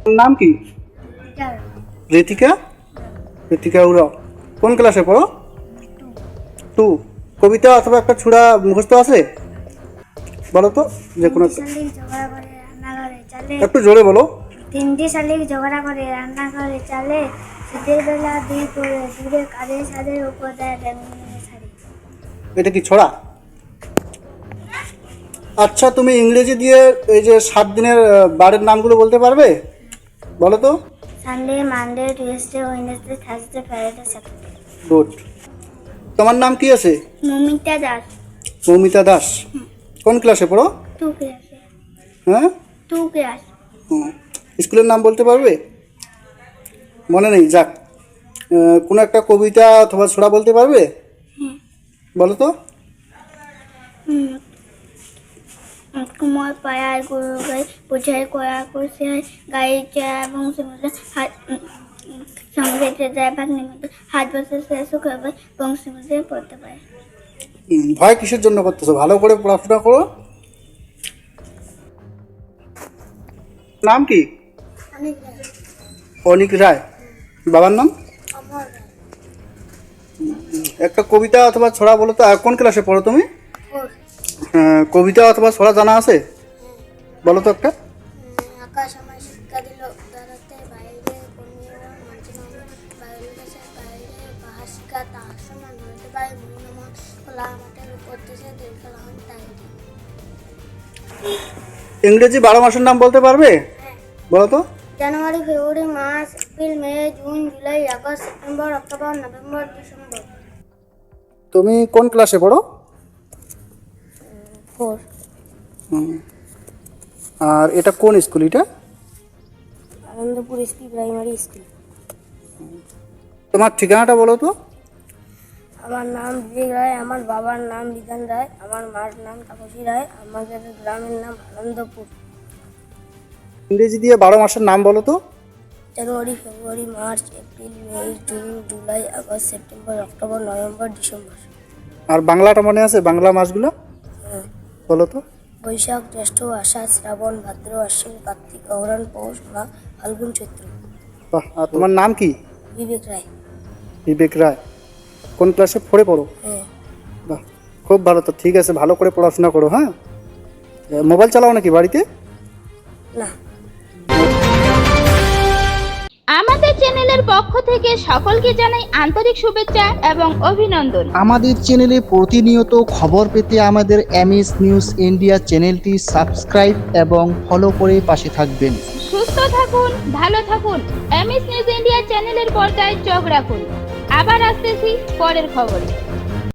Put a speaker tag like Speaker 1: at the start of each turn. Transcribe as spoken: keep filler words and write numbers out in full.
Speaker 1: নাম কি? ঋতিকা। ঋতিকা উরাও কোন ক্লাসে পড়ো? টু। কবিতা অথবা একটা ছুড়া মুখস্থ আছে? বলো তো, যে কোনো একটা।
Speaker 2: শালিক ঝগড়া করে রান্নাঘরে চালে,
Speaker 1: একটু জোরে বলো।
Speaker 2: তিনটি শালিক ঝগড়া করে রান্নাঘরে চালে, শীতের বেলা দুই পরে দূরে কাঁধে ছাদের উপর দেয় ব্যাঙের শাড়ি।
Speaker 1: এটা কি ছড়া? আচ্ছা, তুমি ইংরেজি দিয়ে এই যে সাত দিনের আহ, বারের নামগুলো বলতে পারবে? বলো তো।
Speaker 2: Sunday, Monday, Tuesday, Wednesday, Thursday, Friday, Saturday.
Speaker 1: Good. তোমার নাম কি আছে?
Speaker 2: মমিতা দাস।
Speaker 1: মৌমিতা দাস। কোন ক্লাসে পড়ো?
Speaker 2: টু ক্লাসে।
Speaker 1: হ্যাঁ,
Speaker 2: টু ক্লাস।
Speaker 1: হুম। স্কুলের নাম বলতে পারবে? মনে নেই, যাক। আহ, কোনো একটা কবিতা অথবা ছড়া বলতে পারবে?
Speaker 2: হ্যাঁ।
Speaker 1: বলো তো।
Speaker 2: হুম। কুমার পাড়ায় গরু গাই বোঝাই করা করছে গাড়ির চেয়ার এবং হাত সঙ্গে যায় ভাগ্নের মতো হাত বসে শেষ করবে বংশের মধ্যে পড়তে পারে।
Speaker 1: হুম, ভয় কিসের জন্য করতেছো? ভালো করে পড়াশোনা করো। নাম কি?
Speaker 2: অনেক
Speaker 1: অনিক রায়। বাবার নাম?
Speaker 2: অমর
Speaker 1: একটা কবিতা অথবা ছড়া বলো তো। আর কোন ক্লাসে পড়ো তুমি? হ্যাঁ, কবিতা অথবা ছড়া জানা আছে? বলো তো একটা।
Speaker 2: আকাশ আমার শিক্ষা দিল উদারতে বাইরে কমিয়ে মাঝে বাইরে দেশের বাইরে বাহার শিক্ষা তাহার সমান ধরতে পারে মন মন খোলা মাঠের উপর দেশে দীর্ঘলাহন তাই।
Speaker 1: ইংরেজি বারো মাসের নাম বলতে পারবে? বলো তো।
Speaker 2: January, February, March, April, May, June, July, August, September, October, November, December.
Speaker 1: তুমি কোন ক্লাসে পড়ো?
Speaker 2: ফোর।
Speaker 1: হুম। আর এটা কোন স্কুল? এটা
Speaker 2: আনন্দপুর স্কুল প্রাইমারি স্কুল।
Speaker 1: তোমার ঠিকানাটা বলো তো।
Speaker 2: আমার নাম বিবেক রায়, আমার বাবার নাম বিধান রায়, আমার মার নাম তাপসী রায়, আমাদের গ্রামের নাম আনন্দপুর।
Speaker 1: ইংরেজি দিয়ে বারো মাসের নাম বলো তো।
Speaker 2: January, February, March, April, May, June, July, August, September, October, November, December.
Speaker 1: আর বাংলাটা মনে আছে? বাংলা মাসগুলো
Speaker 2: হ্যাঁ।
Speaker 1: বলো তো।
Speaker 2: বৈশাখ, জ্যৈষ্ঠ, আষাঢ়, শ্রাবণ, ভাদ্র, আশ্বিন, কার্তিক, অঘ্রাণ, পৌষ, মাঘ, ফাল্গুন, চৈত্র।
Speaker 1: বাহ। আর তোমার নাম কি?
Speaker 2: বিবেক রায়।
Speaker 1: বিবেক রায়। কোন ক্লাসে পড়ে পড়ো?
Speaker 2: হ্যাঁ।
Speaker 1: বাহ, খুব ভালো। তো ঠিক আছে, ভালো করে পড়াশোনা করো। হ্যাঁ, মোবাইল চালাও নাকি বাড়িতে?
Speaker 2: না।
Speaker 3: আমাদের চ্যানেলের পক্ষ থেকে সকলকে জানাই আন্তরিক শুভেচ্ছা এবং অভিনন্দন।
Speaker 4: আমাদের চ্যানেলে প্রতিনিয়ত খবর পেতে আমাদের এমএস নিউজ ইন্ডিয়া চ্যানেলটি সাবস্ক্রাইব এবং ফলো করে পাশে থাকবেন।
Speaker 3: সুস্থ থাকুন, ভালো থাকুন। এমএস নিউজ ইন্ডিয়া চ্যানেলের পর্দায় চোখ রাখুন। আবার আসতেছি পরের খবরে।